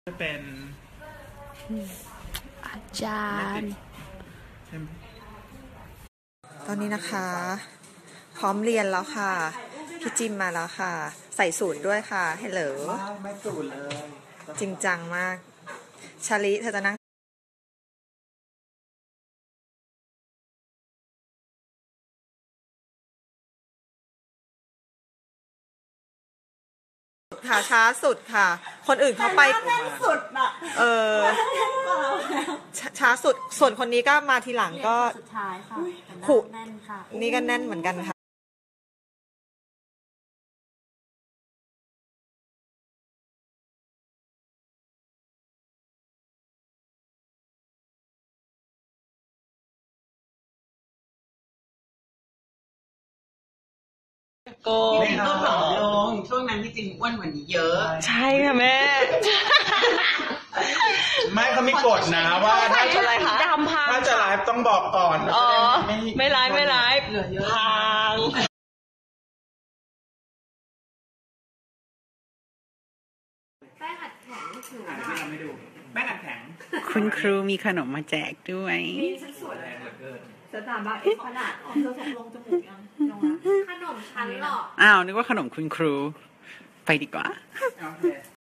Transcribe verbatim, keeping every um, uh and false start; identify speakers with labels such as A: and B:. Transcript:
A: จะเป็น
B: อาจารย์ตอนนี้นะคะพร้อมเรียนแล้วค่ะพี่จิมมาแล้วค่ะใส่สูตรด้วยค่ะเฮลโหล
A: ไม่สูตรเลย
B: จริงจังมากชาลิเธอจะนั่งค่ะช้าสุดค่ะคนอื่นเขาไป
C: สุดอะ
B: เออช้าสุดส่วนคนนี้ก็มาทีหลังก็
C: สุดท้ายค่ะ
B: ขู่
C: แน่นค่ะ
B: นี่ก็แน่นเหมือนกันค่ะ
D: โกงก็ผอมลงช่วงนั้นที่จริงอ้วนกว่านี้เยอะ
B: ใช่ค่ะแม่
A: ไม่เขามีกฎนะว่าถ้าจะไลฟ์ถ้าจะไลฟ์ต้องบอกก่อน
B: อ๋อไม่ไลฟ์ไม่ไลฟ์พัง
C: แป้งอัดแข็งถูกไหม
A: ไม่ดูแป้งอัดแข็ง
D: คุณครูมีขนมมาแจกด้วย
C: นี่ฉันสวยเลยสถาบันเอฟขนาดเธอส่งลงจมูกยังลงแล้วขนมชั้นหรอ
D: อ้าวนึกว่าขนมคุณครูไปดีกว่า